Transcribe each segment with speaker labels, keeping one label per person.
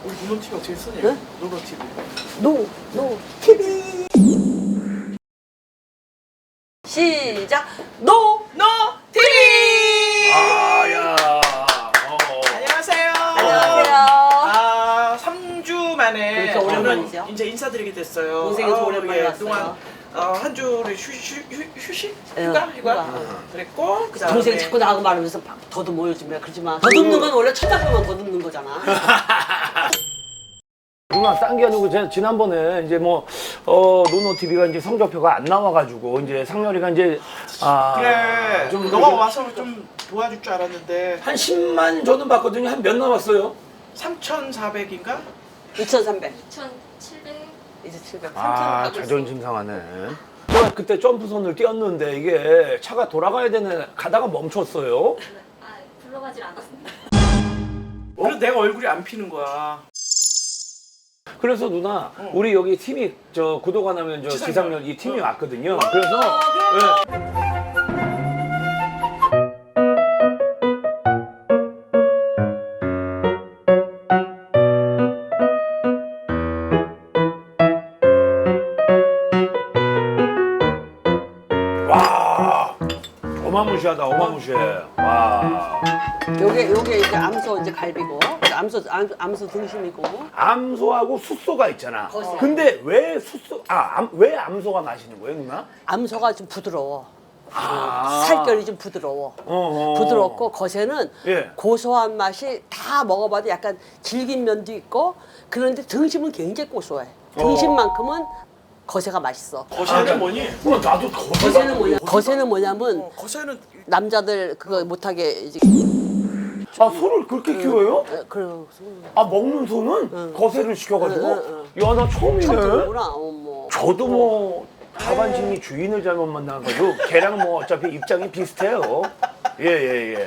Speaker 1: 우리 노노TV 어떻게 쓰냐?
Speaker 2: 네?
Speaker 1: 노노TV.
Speaker 2: 노 TV 시작 노노TV
Speaker 3: 아야.
Speaker 1: 안녕하세요.
Speaker 2: 안녕하세요.
Speaker 1: 3주 만에
Speaker 2: 그러니까
Speaker 1: 저는
Speaker 2: 오랜만이죠.
Speaker 1: 이제 인사드리게 됐어요.
Speaker 2: 동생이 또 오랜만에 왔어요.
Speaker 1: 그동안 한 주를 휴식?
Speaker 2: 예,
Speaker 1: 휴가?
Speaker 2: 휴가.
Speaker 1: 그랬고 그다음에
Speaker 2: 동생이 자꾸 나하고 말하면서 더듬어요 좀 그러지만 더듬는 건 원래 쳐다보면 더듬는 거잖아.
Speaker 3: 누나 딴 게 아니고 제가 지난번에 이제 뭐 노노TV가 이제 성적표가 안 나와가지고 이제 상렬이가 이제
Speaker 1: 그래
Speaker 3: 좀
Speaker 1: 너가
Speaker 3: 요즘
Speaker 1: 와서 좀 도와줄 줄 알았는데
Speaker 3: 한 10만 저는 봤거든요. 한 몇 남았어요?
Speaker 1: 3,400인가?
Speaker 2: 2,300
Speaker 4: 2,700.
Speaker 2: 이제 700
Speaker 3: 아
Speaker 2: 3,000
Speaker 3: 자존심 상하네. 제가 그때 점프선을 뛰었는데 이게 차가 돌아가야 되는 가다가 멈췄어요.
Speaker 4: 불러가질 않았습니다.
Speaker 1: 그래서 내가 얼굴이 안 피는 거야.
Speaker 3: 그래서 누나 우리 여기 팀이 저 구독 안 하면 저 지상렬 이 팀이 왔거든요. 그래서 와 어마무시하다 어마무시해. 와
Speaker 2: 요게 이제 암소 이제 갈비고 암소 등심이고
Speaker 3: 암소하고 숫소가 있잖아.
Speaker 2: 거세.
Speaker 3: 근데 왜 숫소 왜 암소가 맛있는 거예요, 누나?
Speaker 2: 암소가 좀 부드러워.
Speaker 3: 아.
Speaker 2: 살결이 좀 부드러워. 부드럽고 거새는
Speaker 3: 예.
Speaker 2: 고소한 맛이 다 먹어봐도 약간 질긴 면도 있고 그런데 등심은 굉장히 고소해. 등심만큼은 거새가 맛있어.
Speaker 1: 거새는 뭐니?
Speaker 3: 나도
Speaker 2: 거새는 뭐냐면
Speaker 1: 거새는
Speaker 2: 남자들 그거 못하게 이제
Speaker 3: 소를 그렇게 키워요?
Speaker 2: 그런
Speaker 3: 먹는 소는 거세를 시켜가지고? 야, 나 처음이네.
Speaker 2: 처음이구나. 어머.
Speaker 3: 저도 뭐 하반신이 주인을 잘못 만나가지고 걔랑 뭐 어차피 입장이 비슷해요. 예.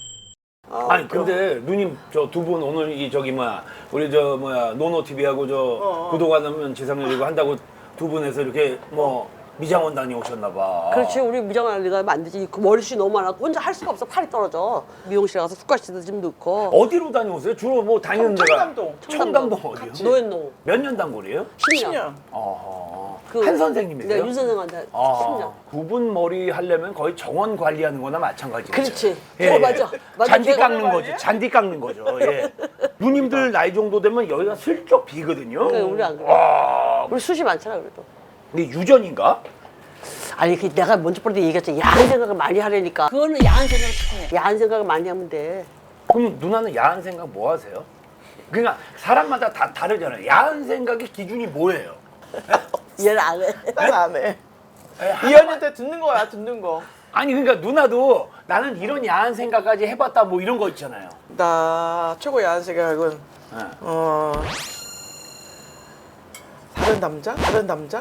Speaker 3: 아니 근데 누님 저 두 분 오늘 이 저기 뭐야 우리 저 뭐야 노노TV하고 저 구독 안 하면 지상렬이고 한다고 두 분에서 이렇게 뭐 미장원 다녀오셨나 봐.
Speaker 2: 그렇지 우리 미장원 리가 안 되지. 그 머리숱이 너무 많아서 혼자 할 수가 없어. 팔이 떨어져. 미용실 가서 숟가락도 좀 넣고.
Speaker 3: 어디로 다녀오세요? 주로 뭐 다니는 데가
Speaker 1: 청담동.
Speaker 3: 청담동 어디요?
Speaker 2: 노현노
Speaker 3: 몇 년 단골이에요?
Speaker 2: 10년.
Speaker 3: 한 선생님이세요?
Speaker 2: 네, 윤 선생한테 10년.
Speaker 3: 두 분 머리 하려면 거의 정원 관리하는 거나 마찬가지죠.
Speaker 2: 그렇지. 맞아.
Speaker 3: 잔디
Speaker 2: 걔가
Speaker 3: 깎는 거지. 잔디 깎는 거죠. 예. 누님들 나이 정도 되면 여기가 슬쩍 비거든요.
Speaker 2: 그래, 우리 안 그래.
Speaker 3: 와,
Speaker 2: 우리 숱이 많잖아 그래도.
Speaker 3: 근데 유전인가?
Speaker 2: 아니 그 내가 먼저 볼 때 얘기했잖아. 야한 생각을 많이 하려니까. 그거는 야한 생각을 해. 야한 생각을 많이 하면 돼.
Speaker 3: 그럼 누나는 야한 생각 뭐 하세요? 그러니까 사람마다 다 다르잖아요. 야한 생각의 기준이 뭐예요?
Speaker 2: 얘는 안 해.
Speaker 1: 난 안 해. 이현이한테 듣는 거야, 듣는 거.
Speaker 3: 아니 그러니까 누나도 나는 이런 야한 생각까지 해봤다 뭐 이런 거 있잖아요.
Speaker 1: 나 최고 야한 생각은
Speaker 3: 네.
Speaker 1: 다른 남자? 다른 남자?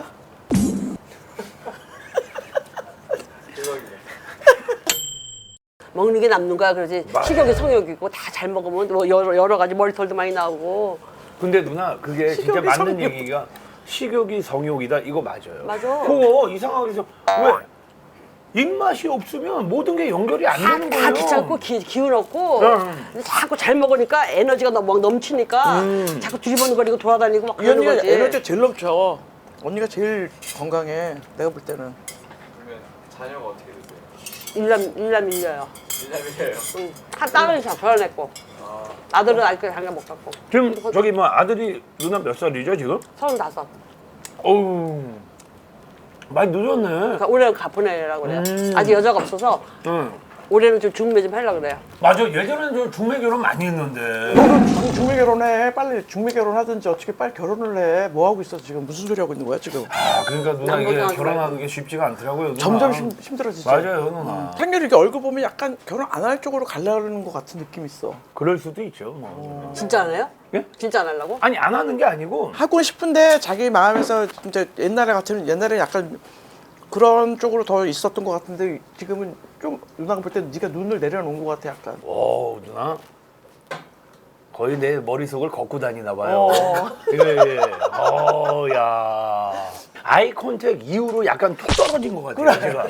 Speaker 2: 먹는 게 남는 거야. 그러지.
Speaker 3: 맞아요.
Speaker 2: 식욕이 성욕이고 다 잘 먹으면 뭐 여러 가지 머리털도 많이 나오고.
Speaker 3: 근데 누나 그게 진짜
Speaker 1: 식욕이
Speaker 3: 맞는
Speaker 1: 성욕.
Speaker 3: 얘기가 식욕이 성욕이다 이거 맞아요.
Speaker 2: 맞아.
Speaker 3: 그거 이상하게 해서 왜 입맛이 없으면 모든 게 연결이 안 되는 거예요.
Speaker 2: 다 귀찮고 기운 없고
Speaker 3: 응.
Speaker 2: 근데 자꾸 잘 먹으니까 에너지가 막 넘치니까 자꾸 두리번거리고 돌아다니고 막 그러는
Speaker 1: 이현이가
Speaker 2: 거지.
Speaker 1: 에너지가 제일 넘쳐. 언니가 제일 건강해. 내가 볼 때는.
Speaker 5: 그러면 자녀가 어떻게 되세요?
Speaker 2: 일남 일녀요.
Speaker 5: 일남이에요.
Speaker 2: 응. 한 딸은 잘 결혼했고 아들은 아직 장가 못 갔고.
Speaker 3: 지금 저기 뭐 아들이 누나 몇 살이죠 지금?
Speaker 2: 35.
Speaker 3: 어우 많이 늦었네.
Speaker 2: 그러니까 올해는 보내려고 그래요.
Speaker 3: 음.
Speaker 2: 아직 여자가 없어서
Speaker 3: 응.
Speaker 2: 올해는 좀 중매 좀 하려고 그래요.
Speaker 3: 맞아 예전에는 저 중매 결혼 많이 했는데.
Speaker 1: 중매 결혼해. 빨리 중매 결혼하든지 어떻게 빨리 결혼을 해. 뭐 하고 있어 지금? 무슨 소리 하고 있는 거야 지금?
Speaker 3: 그러니까 누나 이게
Speaker 2: 남보다
Speaker 3: 결혼하는 게 쉽지가 않더라고요. 누나.
Speaker 1: 점점 힘들어지지.
Speaker 3: 맞아요 누나.
Speaker 1: 상렬이 이렇게 얼굴 보면 약간 결혼 안 할 쪽으로 가려는 것 같은 느낌이 있어.
Speaker 3: 그럴 수도 있죠. 뭐.
Speaker 2: 진짜 안 해요?
Speaker 3: 예?
Speaker 2: 진짜 안 하려고?
Speaker 3: 아니 안 하는 게 아니고
Speaker 1: 하고 싶은데 자기 마음에서 이제 옛날에 같으면 옛날에 약간 그런 쪽으로 더 있었던 것 같은데 지금은 좀 누나가 볼 때 네가 눈을 내려놓은 것 같아 약간.
Speaker 3: 오 누나 거의 내 머릿속을 걷고 다니나 봐요.
Speaker 1: 어.
Speaker 3: 예. 야. 아이 컨택 이후로 약간 툭 떨어진 것 같아요. 제가.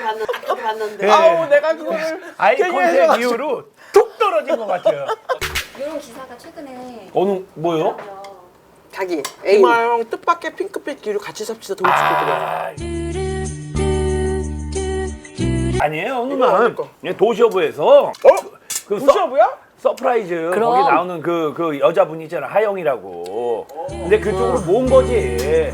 Speaker 2: 봤는데.
Speaker 3: 예.
Speaker 1: 아우 내가 그거를
Speaker 3: 아이
Speaker 1: 괜히
Speaker 3: 컨택
Speaker 1: 해줘가지고.
Speaker 3: 이후로 툭 떨어진 것 같아요.
Speaker 4: 이런 기사가 최근에
Speaker 3: 어느 뭐요?
Speaker 2: 자기 애인.
Speaker 1: 이마영 뜻밖의 핑크빛 기류 같이 삽시다 동치고들이야.
Speaker 3: 아니에요,
Speaker 1: 이거
Speaker 3: 누나.
Speaker 1: 어디 거?
Speaker 3: 도시어부에서 그
Speaker 1: 도시어부야?
Speaker 3: 서프라이즈
Speaker 2: 그럼.
Speaker 3: 거기 나오는 그 여자분 있잖아, 하영이라고. 근데 그쪽으로 모은 거지.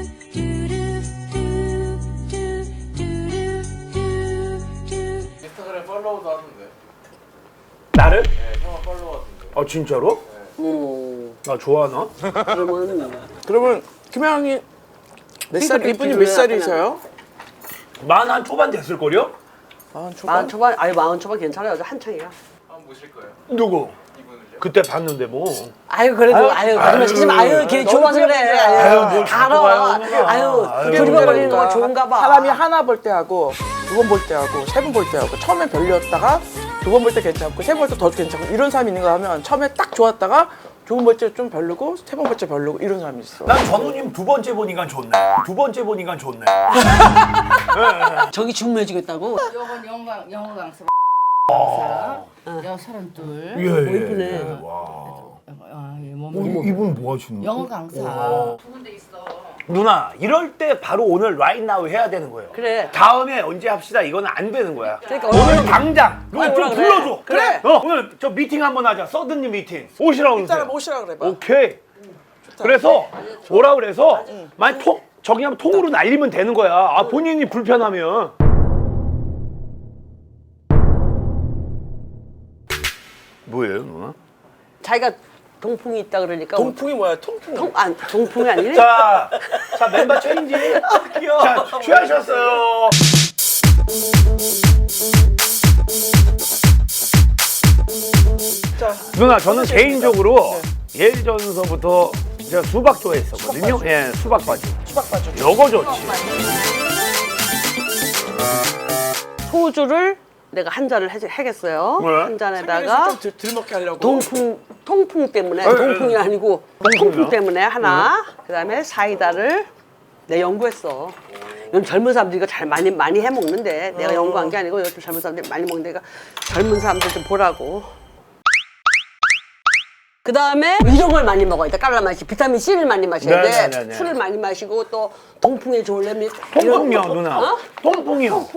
Speaker 5: 인스타그램 팔로우도 하는데.
Speaker 3: 나를?
Speaker 5: 네, 형아 팔로우 하던데.
Speaker 3: 아 진짜로? 나 좋아하나?
Speaker 1: 그러면 김혜영이 몇 살?
Speaker 2: 핑크빛
Speaker 1: 이분이 몇
Speaker 2: 기류야,
Speaker 1: 살이세요?
Speaker 3: 만 초반 됐을 걸요?
Speaker 1: 아,
Speaker 2: 마흔 초반, 아니 마흔 초반 괜찮아요. 한창이야.
Speaker 5: 한번 모실 거예요?
Speaker 3: 누구?
Speaker 5: 이분을요?
Speaker 3: 그때 봤는데 뭐.
Speaker 2: 아유 그래도 아유 거짓말 치지 마. 아유 걔 좋아서 그래.
Speaker 3: 아유, 뭘
Speaker 2: 다
Speaker 3: 자꾸 봐요,
Speaker 2: 알아.
Speaker 3: 누나.
Speaker 2: 아유
Speaker 3: 아유,
Speaker 2: 두리번거리는 거 좋은가 봐.
Speaker 1: 사람이 하나 볼 때 하고 두 번 볼 때 하고 세 번 볼 때 하고 처음엔 별로였다가 두 번 볼 때 괜찮고 세 번 볼 때 더 괜찮고 이런 사람이 있는가 하면 처음에 딱 좋았다가 두 번 볼 때 좀 별로고 세 번 볼 때 별로고 이런 사람이 있어.
Speaker 3: 난 전우님 두 번째 보니까 좋네. 두 번째 보니까 좋네.
Speaker 2: 저기 중매주겠다고?
Speaker 6: 요건 영어 강사 여 32.
Speaker 3: 예,
Speaker 2: 이쁘네.
Speaker 3: 이분 뭐 하시는
Speaker 6: 영어 강사.
Speaker 4: 두 군데 있어.
Speaker 3: 누나, 이럴 때 바로 오늘 right now 해야 되는 거예요.
Speaker 2: 그래.
Speaker 3: 다음에 언제 합시다. 이거는 안 되는 거야.
Speaker 2: 그러니까
Speaker 3: 오늘 당장 누나 좀
Speaker 2: 오라 그래.
Speaker 3: 불러줘.
Speaker 2: 그래.
Speaker 3: 오늘 저 미팅 한번 하자. 서든니 미팅. 오시라고
Speaker 1: 일단은
Speaker 3: 그러세요.
Speaker 1: 모시라 그래 봐.
Speaker 3: 오케이. 그래서 오라 그래서 만약 저기 하면 통으로 날리면 되는 거야. 아 본인이 불편하면. 뭐예요, 누나?
Speaker 2: 자기가 동풍이 있다 그러니까
Speaker 1: 동풍이 뭐야? 통풍.
Speaker 2: 동풍이 아니네.
Speaker 3: 자 멤버 체인지. 자 취하셨어요.
Speaker 1: 자,
Speaker 3: 누나 저는 개인적으로 예전서부터 제가 수박 좋아했었거든요. 예, 수박 바지.
Speaker 1: 수박 봐줘.
Speaker 3: 요거 좋지.
Speaker 2: 소주를 내가 한 잔을 해겠어요.
Speaker 3: 왜?
Speaker 2: 한 잔에다가
Speaker 1: 좀 들먹게 하려고.
Speaker 2: 통풍 때문에
Speaker 3: 에,
Speaker 2: 동풍이 아니고
Speaker 3: 통풍이요?
Speaker 2: 통풍 때문에 하나. 그다음에 사이다를 내 연구했어. 이건 젊은 사람들이 이거 잘 많이 해 먹는데 내가 연구한 게 아니고 요즘 젊은 사람들이 많이 먹는데 이거 젊은 사람들 좀 보라고. 그 다음에 이런 걸 많이 먹어야 돼. 깔라맛이 비타민 C를 많이 마셔야 돼.
Speaker 3: 네네네네.
Speaker 2: 술을 많이 마시고 또 동풍에 좋으려면
Speaker 3: 통풍이요,
Speaker 2: 이런 거.
Speaker 3: 누나.
Speaker 2: 어?
Speaker 3: 통풍이요.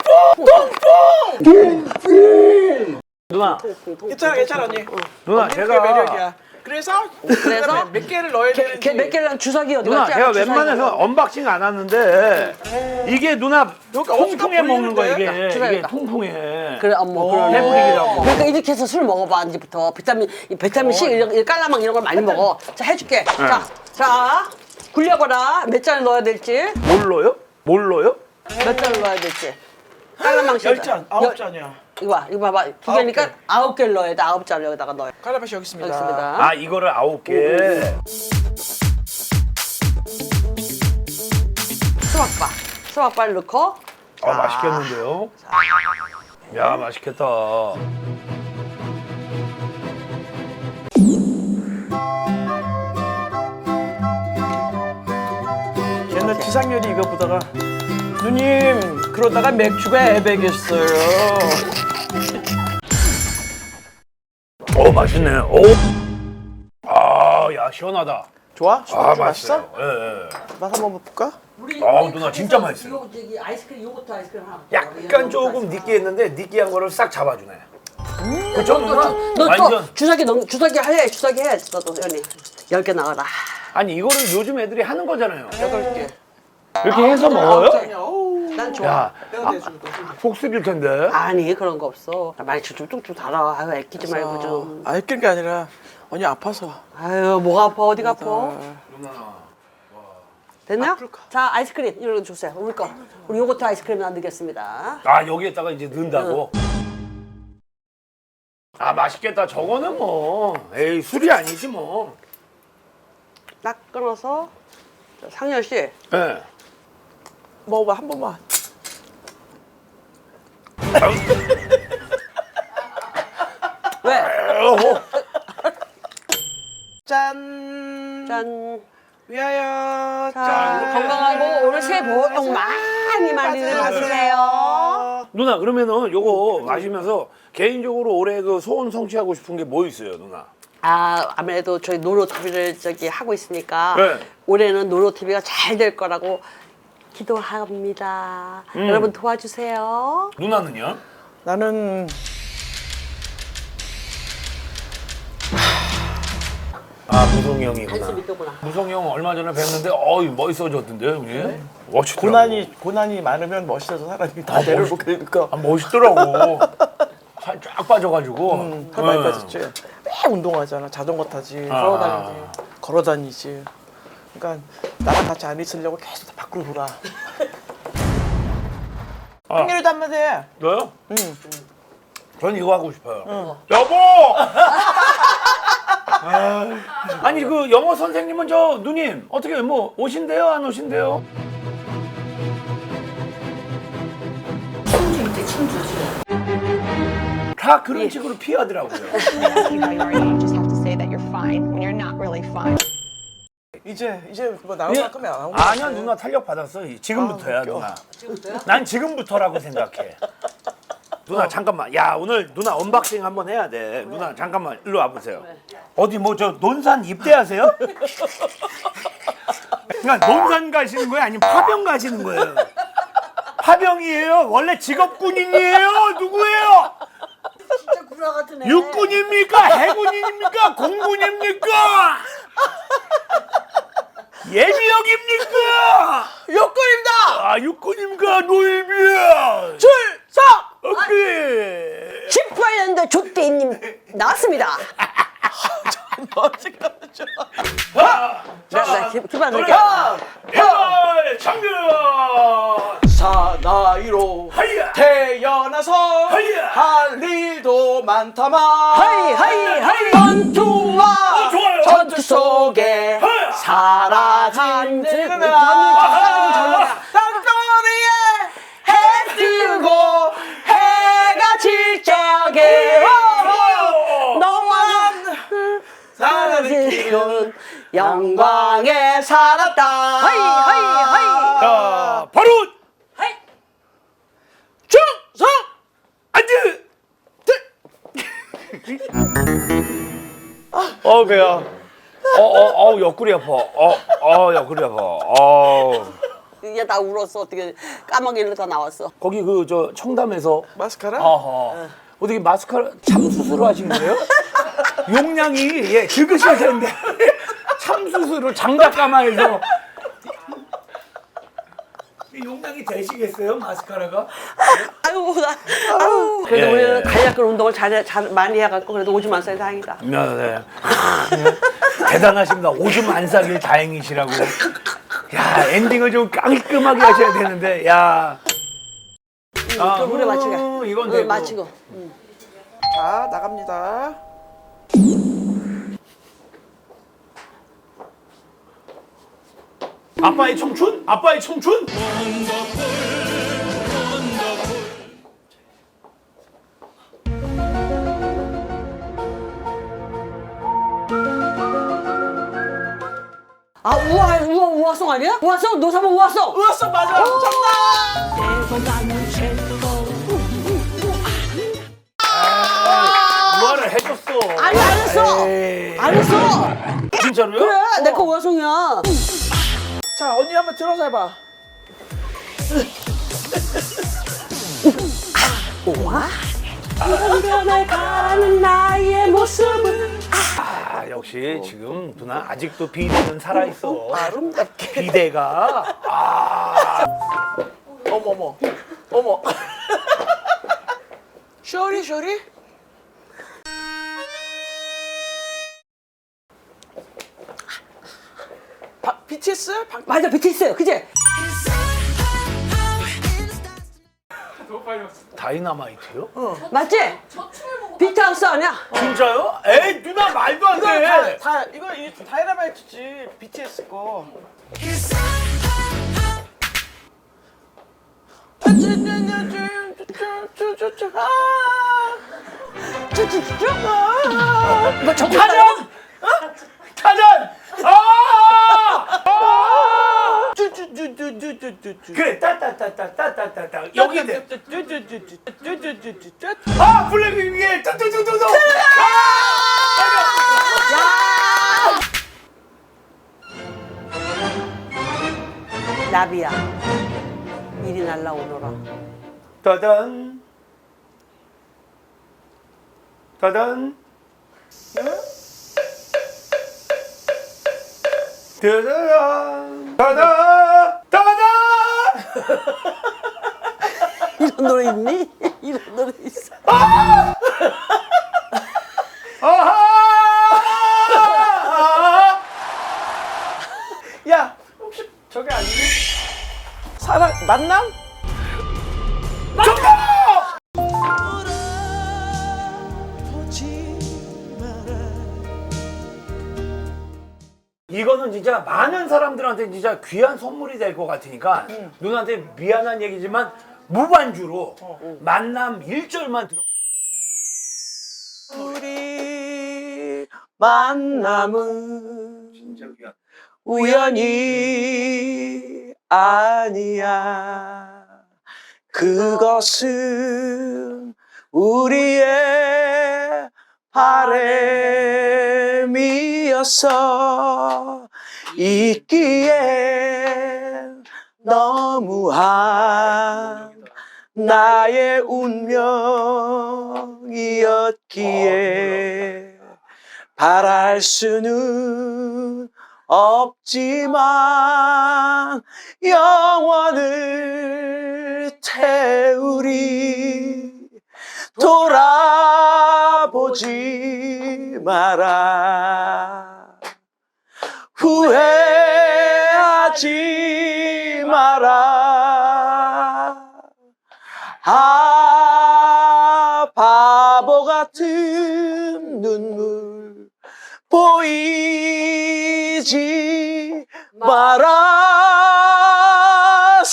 Speaker 3: 누나,
Speaker 1: 괜찮아, 괜찮아 언니.
Speaker 3: 누나
Speaker 1: 언니
Speaker 3: 제가
Speaker 1: 그게 매력이야. 그래서 몇 개를 넣어야 되는지.
Speaker 2: 몇 개랑 주사기 어디
Speaker 3: 누나
Speaker 2: 갔지?
Speaker 3: 제가
Speaker 2: 주사기
Speaker 3: 웬만해서
Speaker 2: 어디
Speaker 3: 언박싱 안 하는데 이게 누나
Speaker 1: 여기가
Speaker 3: 통풍에
Speaker 1: 어디가
Speaker 3: 먹는 거
Speaker 1: 보이는데?
Speaker 3: 이게
Speaker 2: 주사위다.
Speaker 3: 통풍에.
Speaker 2: 그래, 그러네.
Speaker 3: 해부리기라고.
Speaker 2: 그러니까 이렇게 해서 술 먹어봐 이제부터 비타민 C 이런 깔라망 이런 걸 많이 먹어. 자 해줄게. 자 굴려봐라. 몇 잔을 넣어야 될지.
Speaker 3: 뭘로요? 뭘로요?
Speaker 2: 몇 잔을 넣어야 될지. 깔라망 씨.
Speaker 1: 10잔, 9잔이야.
Speaker 2: 이거 봐봐. 두 개니까 9개를 넣어야 돼. 9잔을 여기다가 넣어요.
Speaker 1: 칼라맛이 여기 있습니다.
Speaker 2: 여기 있습니다.
Speaker 3: 아 이거를 9개.
Speaker 2: 수박발 넣고.
Speaker 3: 아 맛있겠는데요? 야 맛있겠다.
Speaker 1: 옛날 지상렬이 이거 보다가 누님 그러다가 맥주가 애백했어요.
Speaker 3: 오 맛있네. 오. 아야 시원하다.
Speaker 1: 좋아?
Speaker 3: 아
Speaker 1: 좀 맛있어?
Speaker 3: 맛있어. 예.
Speaker 1: 맛 한번 볼까?
Speaker 3: 아우, 누나 진짜 맛있어요.
Speaker 2: 이거 저기 아이스크림 요거트 아이스크림 하나.
Speaker 3: 약간 조금 느끼했는데 느끼한 거를 싹 잡아주네. 그쵸 누나?
Speaker 2: 너또
Speaker 3: 완전.
Speaker 2: 주사기 주사기 해. 너도 연이 10개 나와라.
Speaker 3: 아니 이거를 요즘 애들이 하는 거잖아요.
Speaker 1: 8개.
Speaker 3: 이렇게 해서 먹어요?
Speaker 2: 난 좋아.
Speaker 3: 야,
Speaker 1: 내가 내주고.
Speaker 3: 속 쓰릴 텐데.
Speaker 2: 아니 그런 거 없어. 많이 쭉쭉쭉 달아. 아유 애끼지 말고 좀.
Speaker 1: 아, 애끼는 게 아니라 언니 아파서.
Speaker 2: 아유 뭐가 아파 어디가 아파.
Speaker 3: 누나.
Speaker 2: 됐나요?
Speaker 1: 아플까?
Speaker 2: 자 아이스크림 이런 거 주세요. 우리 거. 우리 요거트 아이스크림 넣겠습니다.
Speaker 3: 아 여기에다가 이제 넣는다고. 아 맛있겠다. 저거는 뭐 에이 술이 아니지 뭐.
Speaker 2: 딱 끊어서 자, 상열 씨.
Speaker 3: 예.
Speaker 1: 먹어봐 한 번만.
Speaker 2: 왜?
Speaker 1: 짠.
Speaker 2: 짠.
Speaker 1: 위하여.
Speaker 2: 자, 건강하고 올해 새해 복 많이 받으세요.
Speaker 3: 누나 그러면은 요거 마시면서 개인적으로 올해 그 소원 성취하고 싶은 게 뭐 있어요, 누나?
Speaker 2: 아무래도 저희 노로 TV를 하고 있으니까
Speaker 3: 네.
Speaker 2: 올해는 노로 TV가 잘 될 거라고 기도합니다. 여러분 도와주세요.
Speaker 3: 누나는요?
Speaker 1: 나는
Speaker 3: 아 무성이 형이구나.
Speaker 2: 믿더구나.
Speaker 3: 무성이 형 얼마 전에 뵀는데 어이 멋있어졌던데 형님. 멋있더라고.
Speaker 1: 고난이 많으면 멋있어서 사람이 다 내려오고 그러니까
Speaker 3: 아, 멋있더라고. 살 쫙 빠져가지고.
Speaker 1: 살 많이 빠졌지. 매 운동하잖아. 자전거 타지. 걸어 다니지. 그러니까 나랑 같이 안 있으려고 계속 다 밖으로 돌아. 한결이도 한마디 해.
Speaker 3: 너요?
Speaker 1: 응.
Speaker 3: 전 이거 하고 싶어요. 여보! 아니 그 영어 선생님은 저 누님 어떻게 뭐 오신대요 안 오신대요?
Speaker 6: 친구 친구지.
Speaker 3: 다 그런 식으로 피하더라고요.
Speaker 7: see how you are. You just have to say that you're fine when you're not really fine.
Speaker 1: 이제 뭐 나올 것 같으면 안 하고.
Speaker 3: 아니야 누나 탄력 받았어. 지금부터야
Speaker 1: 웃겨.
Speaker 3: 누나. 난 지금부터라고 생각해. 누나 잠깐만. 야 오늘 누나 언박싱 한번 해야 돼. 누나 잠깐만 일로 와보세요. 어디 뭐 저 논산 입대하세요? 그러니까 논산 가시는 거예요? 아니면 파병 가시는 거예요? 파병이에요? 원래 직업 군인이에요? 누구예요?
Speaker 2: 진짜 구라 같은 애.
Speaker 3: 육군입니까? 해군입니까? 공군입니까? 예비역입니까?
Speaker 1: 욕구입니다.
Speaker 3: 아 육군입니까? 노일비야.
Speaker 1: 출석.
Speaker 3: 오케이.
Speaker 2: 18년도 조대님 나왔습니다. 자, 기반 드릴게요.
Speaker 3: 열 장면.
Speaker 1: 사나이로
Speaker 3: 하이야.
Speaker 1: 태어나서
Speaker 3: 하이야.
Speaker 1: 할 일도 많다만
Speaker 2: 하이 전투와
Speaker 3: 좋아요.
Speaker 1: 전투 속에
Speaker 3: 하이야.
Speaker 1: 사라진 땅덩어리에 해 뜨고 해가 질 적에 너와 사랑을 키운 영광에 살았다.
Speaker 2: 하이.
Speaker 3: 자 바로.
Speaker 2: 하이.
Speaker 3: 충성. 앉으. 배야. 옆구리 아파. 옆구리 아파.
Speaker 2: 이게 다 울었어. 어떻게 까마귀로 다 나왔어.
Speaker 3: 거기 그 저 청담에서
Speaker 1: 마스카라?
Speaker 3: 어떻게 마스카라 참 수술을 하신 거예요? 용량이 적으셔야 되는데 참 수술을 장작 가마에서 용량이 되시겠어요 마스카라가?
Speaker 2: 아유. 그래도
Speaker 3: 예.
Speaker 2: 우리는 간략한 운동을 잘 많이 해갖고 그래도 오줌 안 싸니 다행이다.
Speaker 3: 네. 대단하십니다. 오줌 안 싸길 다행이시라고. 야 엔딩을 좀 깔끔하게 하셔야 되는데 야.
Speaker 2: 그 물에 맞추게.
Speaker 3: 이건 되고.
Speaker 2: 맞추고.
Speaker 1: 자 나갑니다.
Speaker 3: 아빠의 청춘? 아빠의 청춘?
Speaker 2: 우아송 아니야? 우아송? 노사모 우아송!
Speaker 1: 우왔어 맞아. 정답.
Speaker 3: 우아를 해줬어.
Speaker 2: 아니 안 했어!
Speaker 3: 에이.
Speaker 2: 안 했어!
Speaker 3: 진짜로요?
Speaker 2: 그래 내 거 우아송이야.
Speaker 1: 자 언니 한번 들어서 해봐.
Speaker 2: 우아? 변해가는 나의 모습은
Speaker 3: 역시 지금 누나 아직도 비대는 살아있어.
Speaker 1: 아름답게.
Speaker 3: 비대가.
Speaker 1: 어머. 쇼리. BTS?
Speaker 2: 맞아 BTS 그지?
Speaker 3: 다이너마이트요?
Speaker 2: 맞지?
Speaker 4: 저 춤을 보고
Speaker 2: 비트하우스 아니야?
Speaker 3: 진짜요? 에이 누나 말도 안
Speaker 1: 이거
Speaker 3: 돼.
Speaker 1: 이거 다이너마이트지 BTS 거.
Speaker 2: 이거 저
Speaker 3: 타전! 타전! 그래 따따따따따따따 여기인데 블랙 위에 뚜뚜뚜뚜뚜
Speaker 2: 나비야 이리 날라오너라.
Speaker 3: 따단 따단 따단 따단 따단
Speaker 2: 이런 노래 있니? 이런 노래 있어.
Speaker 3: 아하
Speaker 1: 야 혹시 저게 아니니? 사랑 만남?
Speaker 3: 이거는 진짜 많은 사람들한테 진짜 귀한 선물이 될 것 같으니까 누나한테 미안한 얘기지만 무반주로 만남 1절만 들어.
Speaker 1: 우리 만남은
Speaker 3: 진짜 귀한.
Speaker 1: 우연이 아니야. 그것은 우리의 바람이었어. 있기에 너무한 나의 운명이었기에 바랄 수는 없지만 영원을 태우리. 돌아보지 마라. 후회하지 마라. 아, 바보 같은 눈물 보이지 마라.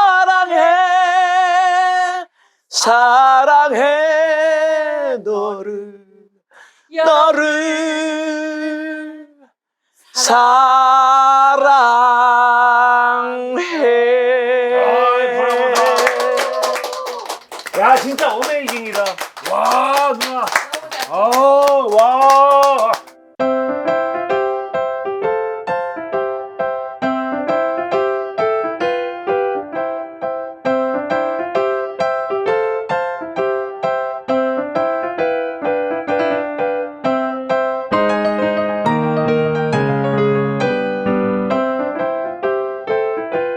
Speaker 1: 사랑해 너를 사랑해.
Speaker 3: 야 진짜 어메이징이다. 와 누나. 와.